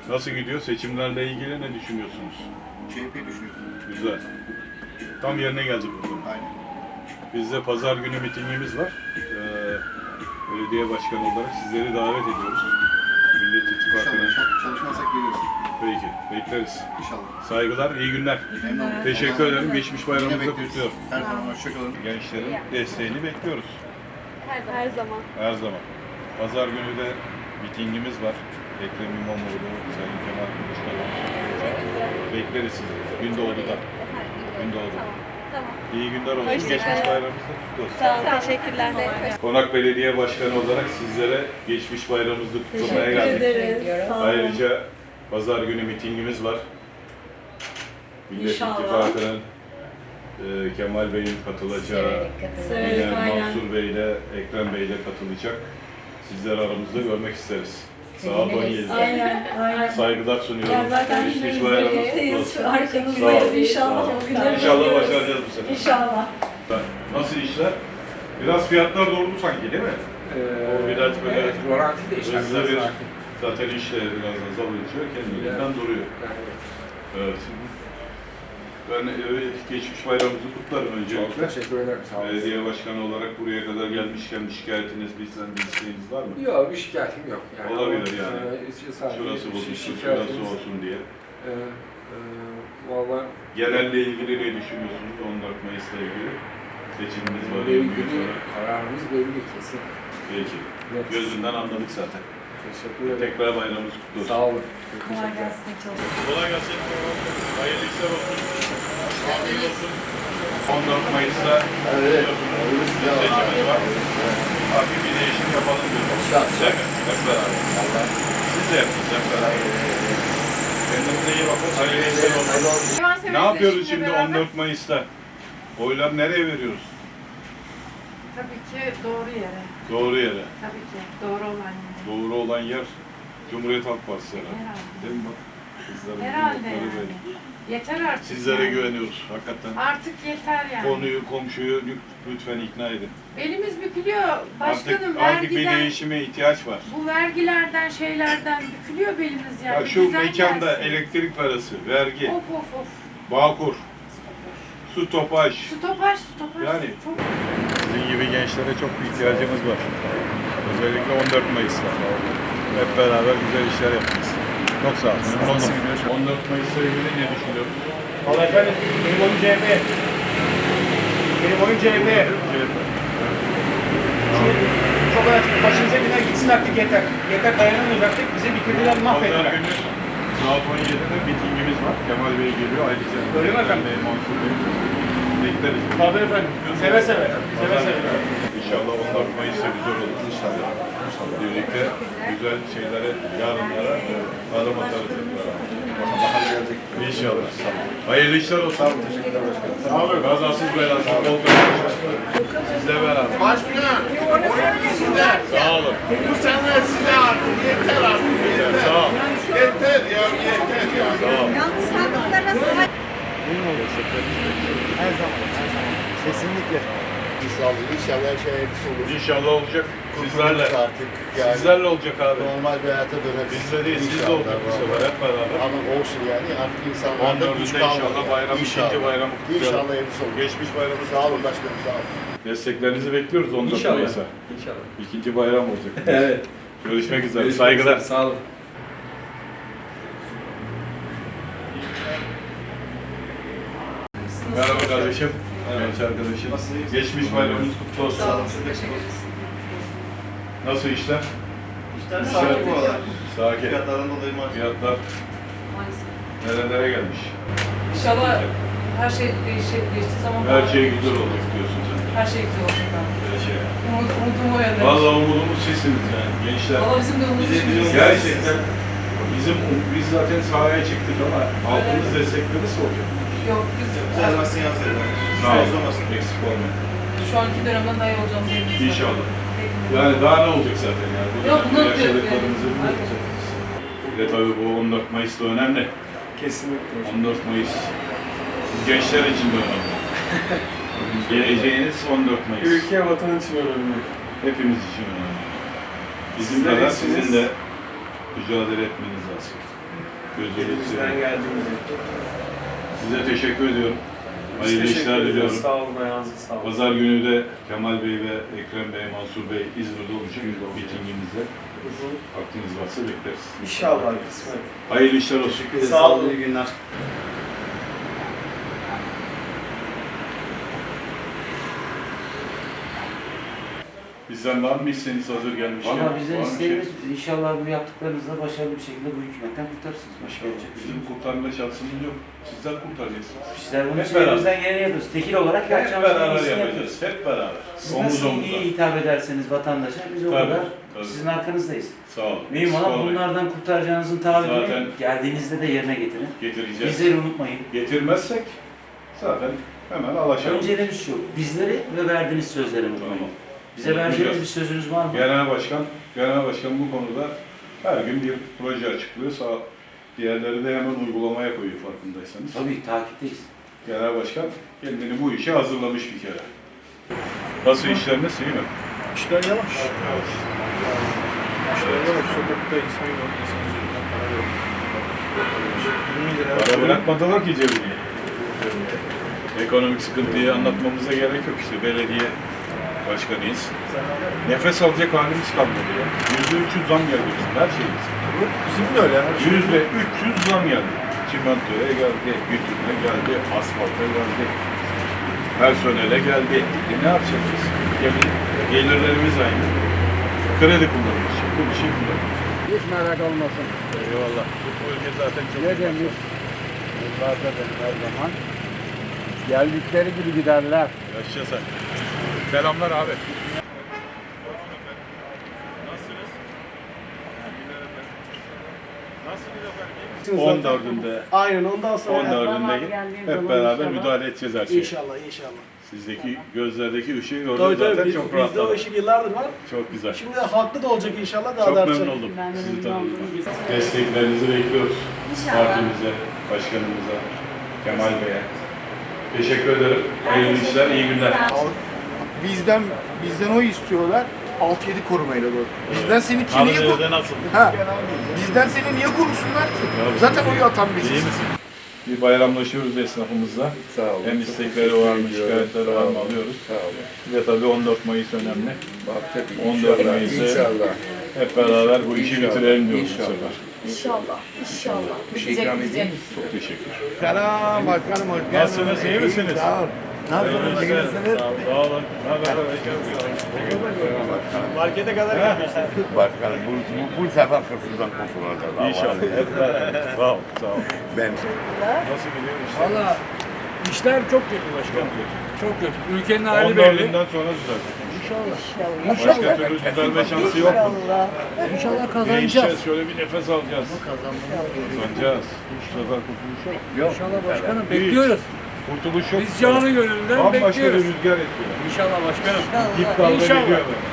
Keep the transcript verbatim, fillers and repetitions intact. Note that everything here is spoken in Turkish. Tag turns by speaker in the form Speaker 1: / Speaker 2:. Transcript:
Speaker 1: Nasıl gidiyor? Seçimlerle ilgili ne düşünüyorsunuz?
Speaker 2: C H P düşünüyorsun.
Speaker 1: Güzel. Tam yerine geldik o zaman.
Speaker 2: Aynen.
Speaker 1: Bizde pazar günü mitingimiz var. Ee, belediye başkanı olarak sizleri davet ediyoruz. Millet İttifakı'na.
Speaker 2: İnşallah çalışmazsak geliriz.
Speaker 1: Peki, bekleriz.
Speaker 2: İnşallah.
Speaker 1: Saygılar, iyi günler.
Speaker 2: Memnun oldum.
Speaker 1: Teşekkür ederim. Geçmiş bayramınızı
Speaker 2: Yine bekleriz.
Speaker 1: kutluyorum.
Speaker 2: Her zaman hoşçakalın.
Speaker 1: Gençlerin desteğini bekliyoruz.
Speaker 3: Her zaman. Her zaman.
Speaker 1: Her zaman. Pazar günü de mitingimiz var. Ekrem İmamoğlu, Sayın Kemal Kılıçdaroğlu. Bekleriz sizi. Gündoğdu'da. Gündoğdu.
Speaker 3: Tamam. Tamam.
Speaker 1: İyi günler olsun.
Speaker 3: Hoşça
Speaker 1: Geçmiş
Speaker 3: kalın.
Speaker 1: bayramınız da kutlu olsun.
Speaker 3: Sağ olun. Teşekkürler.
Speaker 1: Konak Belediye Başkanı olarak sizlere geçmiş bayramınızı kutlamaya geldik.
Speaker 3: ederiz.
Speaker 1: Ayrıca pazar günü mitingimiz var. Millet
Speaker 3: İnşallah.
Speaker 1: İttifakı'nın e, Kemal Bey'in katılacağı,
Speaker 3: Evet,
Speaker 1: yine
Speaker 3: aynen.
Speaker 1: Mansur Bey ile Ekrem Bey ile katılacak. Sizleri aramızda görmek isteriz. Saat on yedide.
Speaker 4: Aynen, aynen.
Speaker 1: Saygılar sunuyorum.
Speaker 4: Ya zaten
Speaker 1: Geçmiş bayramınız kutlu
Speaker 4: birlikteyiz,
Speaker 1: olsun.
Speaker 4: arkanızdayız
Speaker 1: Sağ
Speaker 4: inşallah.
Speaker 1: olun.
Speaker 4: Çok güzel
Speaker 1: İnşallah
Speaker 4: gidiyoruz.
Speaker 1: başaracağız bu sefer.
Speaker 4: İnşallah.
Speaker 1: Nasıl işler? Biraz fiyatlar doğru sanki değil mi?
Speaker 5: Ee,
Speaker 1: O biraz böyle
Speaker 5: evet, rolanti de işler
Speaker 1: hızlı
Speaker 5: biraz
Speaker 1: bir,
Speaker 5: sakin.
Speaker 1: zaten işle biraz azalınca kendiliğinden duruyor.
Speaker 5: Yani,
Speaker 1: Evet. Ben e, geçmiş bayramımızı kutlarım
Speaker 5: çok
Speaker 1: öncelikle.
Speaker 5: teşekkür ederim, sağ olun.
Speaker 1: Belediye başkanı olarak buraya kadar gelmişken bir şikayetiniz, bizden bir isteğiniz var mı?
Speaker 5: Yok, bir şikayetim yok. Yani,
Speaker 1: Olabilir yani.
Speaker 5: E, sadece
Speaker 1: Şurası
Speaker 5: bir
Speaker 1: bozulsun,
Speaker 5: şikayetimiz-
Speaker 1: şurası olsun diye.
Speaker 5: E, e, Valla
Speaker 1: Genelle ilgili ne düşünüyorsunuz on dört Mayıs'la ilgili? Seçimimiz var.
Speaker 5: belli,
Speaker 1: yirmi gün sonra.
Speaker 5: kararımız belli kesin.
Speaker 1: Peki.
Speaker 5: Evet.
Speaker 1: Gözünden anladık zaten.
Speaker 5: Teşekkür ederim.
Speaker 1: Tekrar bayramımız kutlu olsun.
Speaker 5: Sağ olun.
Speaker 4: Kolay gelsin. Çok
Speaker 1: Kolay gelsin. Hayırlı işler olsun. Afiyet olsun. on dört Mayıs'ta
Speaker 2: Evet.
Speaker 1: biliyorsunuz seçimimiz var. Hafif bir değişim yapalım diyoruz. Hep, hep beraber. Siz de yapın hep beraber. Kendinize iyi bakın. Hayırlı işler olsun. Ne yapıyoruz şimdi on dört Mayıs'ta? Oylar nereye veriyoruz?
Speaker 6: Tabii ki doğru yere.
Speaker 1: Doğru yere.
Speaker 6: Tabii ki doğru olan yere.
Speaker 1: Doğru olan yer Cumhuriyet Halk Partisi herhalde.
Speaker 6: Herhalde.
Speaker 1: Değil mi bak? Kızların
Speaker 6: Herhalde
Speaker 1: yumrukları
Speaker 6: yani.
Speaker 1: belli.
Speaker 6: Yeter artık.
Speaker 1: Sizlere
Speaker 6: yani.
Speaker 1: güveniyoruz hakikaten.
Speaker 6: Artık yeter yani.
Speaker 1: Konuyu, komşuyu lütfen ikna edin.
Speaker 6: Belimiz bükülüyor. Başkanım
Speaker 1: Artık, artık bir
Speaker 6: vergiden,
Speaker 1: değişime ihtiyaç var.
Speaker 6: bu vergilerden şeylerden bükülüyor belimiz yani.
Speaker 1: Ya
Speaker 6: Bir
Speaker 1: şu
Speaker 6: düzen
Speaker 1: mekanda
Speaker 6: gelsin.
Speaker 1: elektrik parası, vergi,
Speaker 6: Of of of.
Speaker 1: Bağkur, su topaj.
Speaker 6: Stopaj stopaj.
Speaker 1: Yani.
Speaker 6: Çok...
Speaker 1: Sizin gibi gençlere çok bir ihtiyacımız var. Özellikle on dört Mayıs'ta. Hep beraber güzel işler yapacağız. Çok sağ olun.
Speaker 2: Nasıl gidiyor şu an?
Speaker 1: on dört Mayıs'la ilgili ne düşünüyorsunuz?
Speaker 7: Vallahi efendim, benim oyun C H P. Benim oyun C H P. Çok açık, başımıza giden gitsin artık yeter. Yeter dayanamayacaktık, bizi bitirdiler,
Speaker 1: Pazar
Speaker 7: mahvettiler.
Speaker 1: günü saat on yedide mitingimiz var. Kemal Bey geliyor. Ayrıca
Speaker 7: Öyle mi efendim?
Speaker 1: Bey, Mansur Bey. Bekleriz.
Speaker 7: Tabii efendim, seve seve, seve seve.
Speaker 1: İnşallah on dört Mayıs'ta güzel olur. İnşallah. Birlikte güzel şeylere, yarınlara adım atarız.
Speaker 2: Bahar gelecek.
Speaker 1: İnşallah. Hayırlı işler olsun. Sağ olun.
Speaker 2: Teşekkürler başkanım.
Speaker 1: Sağ olun. Kazasız belasız bol kazanç. Sizle beraber.
Speaker 8: Başkanım, sizler.
Speaker 1: Sağ olun.
Speaker 8: Bu sene size artık yeter artık. Yeter.
Speaker 1: Sağ olun.
Speaker 8: Yeter ya, yeter ya.
Speaker 1: Sağ olun.
Speaker 4: Yalnız sandıklara sahip.
Speaker 2: Her zaman, her zaman. Kesinlikle. İnşallah, inşallah her şey hayırlısı olur.
Speaker 1: İnşallah olacak. Sizlerle.
Speaker 2: Kurtuluruz artık. Yani
Speaker 1: Sizlerle olacak abi.
Speaker 2: normal bir hayata döneriz.
Speaker 1: Bizle değil, siz de
Speaker 2: İnşallah,
Speaker 1: olacak bu sefer
Speaker 2: vallahi.
Speaker 1: hep beraber.
Speaker 2: Ama olsun yani artık
Speaker 1: on
Speaker 2: insanlarda güç
Speaker 1: dördünde
Speaker 2: kalmadı.
Speaker 1: inşallah bayram,
Speaker 2: İnşallah.
Speaker 1: ikinci bayramı kutlayalım.
Speaker 2: İnşallah hayırlısı olur.
Speaker 1: Geçmiş bayramı
Speaker 2: Sağ olun başkanım, sağ olun.
Speaker 1: Desteklerinizi bekliyoruz on dört
Speaker 5: İnşallah.
Speaker 1: Mayıs'a.
Speaker 5: İnşallah.
Speaker 1: İkinci bayram olacak.
Speaker 5: Evet.
Speaker 1: Görüşmek üzere. Saygılar.
Speaker 5: Sağ olun.
Speaker 1: Merhaba kardeşim. Merhaba arkadaşım. Geçmiş bayramınız kutlu olsun. Nasıl işler?
Speaker 2: İşler
Speaker 1: Güzel.
Speaker 2: sakin bu arada.
Speaker 1: Sakin.
Speaker 2: Fiyatların dolayı maalesef.
Speaker 1: Fiyatlar nerelere gelmiş?
Speaker 9: İnşallah her şey değişir, değiştiği zaman
Speaker 1: Her şey güzel olacak diyorsun sen.
Speaker 9: her şey güzel olacak abi.
Speaker 1: Her şey.
Speaker 9: Umut, umutum o yönde.
Speaker 1: Vallahi umudumuz sizsiniz yani gençler.
Speaker 9: Valla bizim de umudumuz.
Speaker 1: Gerçekten bizim biz zaten sahaya çıktık ama halkımız desteklerisi olacak.
Speaker 9: Yok biz
Speaker 2: Düzelmezsin yansın.
Speaker 1: Sağ olun. Eksik olmayın.
Speaker 9: şu anki dönemden daha iyi olacağımızı eminim.
Speaker 1: İnşallah. Yani daha ne olacak zaten yani? Bu
Speaker 9: Yok,
Speaker 1: dönemde
Speaker 9: bunu diyorum
Speaker 1: yaşadıklarımızı
Speaker 9: yani.
Speaker 1: biliyoruz. Ve tabii bu on dört Mayıs da önemli.
Speaker 5: Kesinlikle.
Speaker 1: on dört Mayıs siz gençler için de önemli. Geleceğiniz on dört Mayıs.
Speaker 5: Ülke, vatan için önemli.
Speaker 1: Hepimiz için önemli. Bizim
Speaker 5: Sizler
Speaker 1: kadar
Speaker 5: iyisiniz.
Speaker 1: sizin de mücadele etmeniz lazım. Gözünüzü
Speaker 5: Elimizden
Speaker 1: seveyim.
Speaker 5: geldiğince.
Speaker 1: Size teşekkür ediyorum.
Speaker 5: Biz
Speaker 1: Hayırlı
Speaker 5: teşekkür
Speaker 1: işler
Speaker 5: ederiz.
Speaker 1: diliyorum.
Speaker 5: Sağ olun, ayağınıza sağlık.
Speaker 1: Pazar günü de Kemal Bey ve Ekrem Bey, Mansur Bey İzmir'de olacak mitingimizde. Aklınız varsa bekleriz.
Speaker 5: İnşallah kısmet.
Speaker 1: Hayırlı işler olsun.
Speaker 5: Sağ olun.
Speaker 7: İyi günler.
Speaker 1: Bizden var mı isteğiniz hazır gelmişken?
Speaker 10: Valla bize
Speaker 1: Var mı
Speaker 10: isteğimiz
Speaker 1: şey?
Speaker 10: inşallah bu yaptıklarınızla başarılı bir şekilde bu hükümetten kurtarsınız. Başka
Speaker 1: İnşallah.
Speaker 10: yapacak bir şey
Speaker 1: Bizim
Speaker 10: yok.
Speaker 1: kurtarma şansımız yok. Sizler kurtaracaksınız.
Speaker 10: Bizler bunun
Speaker 1: Hep
Speaker 10: için
Speaker 1: beraber.
Speaker 10: elimizden geleni yapıyoruz. Tekil olarak
Speaker 1: Hep
Speaker 10: yapacağımız en
Speaker 1: beraber
Speaker 10: iyisini
Speaker 1: yapacağız.
Speaker 10: yapıyoruz.
Speaker 1: Hep beraber.
Speaker 10: Siz
Speaker 1: Omuz
Speaker 10: nasıl
Speaker 1: omuza.
Speaker 10: iyi hitap ederseniz vatandaşa biz o
Speaker 1: Tabii,
Speaker 10: kadar
Speaker 1: tabii.
Speaker 10: sizin arkanızdayız.
Speaker 1: Sağ olun.
Speaker 10: Mühim
Speaker 1: Eksik
Speaker 10: olan
Speaker 1: olmayın.
Speaker 10: bunlardan kurtaracağınızın taahhüdünü
Speaker 1: Zaten-
Speaker 10: geldiğinizde de yerine getirin.
Speaker 1: Getireceğiz.
Speaker 10: Bizleri unutmayın.
Speaker 1: Getirmezsek zaten hemen alaşalım.
Speaker 10: Önceliğimiz şu, bizleri ve verdiğiniz sözleri unutmayın.
Speaker 1: Tamam.
Speaker 10: Bize verdiğiniz bir sözünüz var mı?
Speaker 1: Genel Başkan, Genel Başkan bu konuda her gün bir proje açıklıyor. Sağ, diğerleri de hemen uygulamaya koyuyor farkındaysanız.
Speaker 10: Tabii takipteyiz.
Speaker 1: Genel Başkan kendini bu işe hazırlamış bir kere. Nasıl işleriniz iyi mi?
Speaker 7: İşler yavaş. İşler yavaş. Sokakta insan yok. İnsan üzerinden para yok. yirmi lira.
Speaker 1: Para bırakmadılar ki cebine. Ekonomik sıkıntıyı anlatmamıza gerek yok işte. Belediye başkanıyız. Nefes alacak halimiz kalmadı ya. Yüzde üç yüz zam geldi bizim her şeyimiz.
Speaker 7: Bizim de öyle. Her şey.
Speaker 1: Yüzde üç yüz zam geldi. Çimentoya geldi, bütüne geldi, asfalta geldi, personele geldi. E ne yapacağız biz? Gelir, gelirlerimiz aynı. Kredi kullanıyoruz. Bu bir şey kullanıyoruz.
Speaker 2: Hiç merak olmasın.
Speaker 1: Eyvallah. Bu bölge zaten çok
Speaker 2: Ne demiş? Yıllarda benim her zaman. Geldikleri gibi giderler.
Speaker 1: Yaşa sen. Selamlar abi. Nasılsınız? Nasılsınız efendim? on dördünde,
Speaker 7: Aynen ondan sonra.
Speaker 1: on dördünde hep beraber müdahale edeceğiz her şeye.
Speaker 7: İnşallah inşallah.
Speaker 1: Sizdeki gözlerdeki ışığı gördüm
Speaker 7: Tabii tabii
Speaker 1: zaten
Speaker 7: biz,
Speaker 1: çok
Speaker 7: bizde o
Speaker 1: rahatladım.
Speaker 7: ışık yıllardır var.
Speaker 1: Çok güzel.
Speaker 7: Şimdi haklı da olacak inşallah daha
Speaker 1: Çok
Speaker 7: da
Speaker 1: memnun
Speaker 7: artacak.
Speaker 1: oldum sizi tanıdığıma. Desteklerinizi bekliyoruz. Partimize, başkanımıza, Kemal Bey'e. Teşekkür ederim. Hayırlı işler, iyi günler.
Speaker 2: Bizden bizden o istiyorlar. altı yedi korumayla doğru. Bizden seni kim niye korusun?
Speaker 1: Nerede nasıl?
Speaker 2: Ha. Bizden seni niye korusunlar ki? Zaten oyu atan biziz.
Speaker 1: İyi misin? Bir bayramlaşıyoruz esnafımızla.
Speaker 2: Sağ olun.
Speaker 1: Hem istekleri var mı, şikayetleri var mı alıyoruz.
Speaker 2: Sağ olun.
Speaker 1: Bir de tabii on dört Mayıs önemli.
Speaker 2: Bak tabii.
Speaker 1: on dört
Speaker 2: İnşallah.
Speaker 1: Mayıs'ı
Speaker 2: İnşallah.
Speaker 1: hep beraber bu işi
Speaker 2: İnşallah.
Speaker 1: bitirelim diyoruz bu
Speaker 2: İnşallah.
Speaker 1: sefer.
Speaker 3: İnşallah. İnşallah.
Speaker 2: Bir şey ikram edeyim.
Speaker 1: Çok teşekkür.
Speaker 2: Selam başkanım, hoş geldiniz.
Speaker 1: Nasılsınız, iyi misiniz?
Speaker 2: Sağ olun. Nasılsınız, iyi misiniz?
Speaker 1: Sağ olun. Ne haber?
Speaker 7: Markete kadar gitmişler.
Speaker 8: Başkanım bu, bu, bu sefer hırsızdan kurtulacağız.
Speaker 1: İnşallah. Hep beraber. Sağ ol. Sağ ol.
Speaker 8: Ben
Speaker 1: Nasıl gidiyor işler?
Speaker 7: Valla işler çok kötü başkanım. Çok kötü. Ülkenin
Speaker 1: on
Speaker 7: hali belli.
Speaker 1: dördünden sonra düzelecek.
Speaker 2: İnşallah.
Speaker 1: Başka türlü düzelme şansı yok mu?
Speaker 2: İnşallah
Speaker 1: Ne
Speaker 2: kazanacağız.
Speaker 1: içeceğiz? Şöyle bir nefes alacağız. Kazanacağız. Bu sefer kurtuluş yok.
Speaker 2: Yok.
Speaker 7: İnşallah başkanım
Speaker 1: Değil.
Speaker 7: bekliyoruz.
Speaker 1: Kurtuluş yok.
Speaker 7: Biz canı gönülden
Speaker 1: Bambaşka bir
Speaker 7: bekliyoruz.
Speaker 1: rüzgar esiyor.
Speaker 7: İnşallah başkanım.
Speaker 1: Dip dalga
Speaker 7: İnşallah.
Speaker 1: geliyor böyle.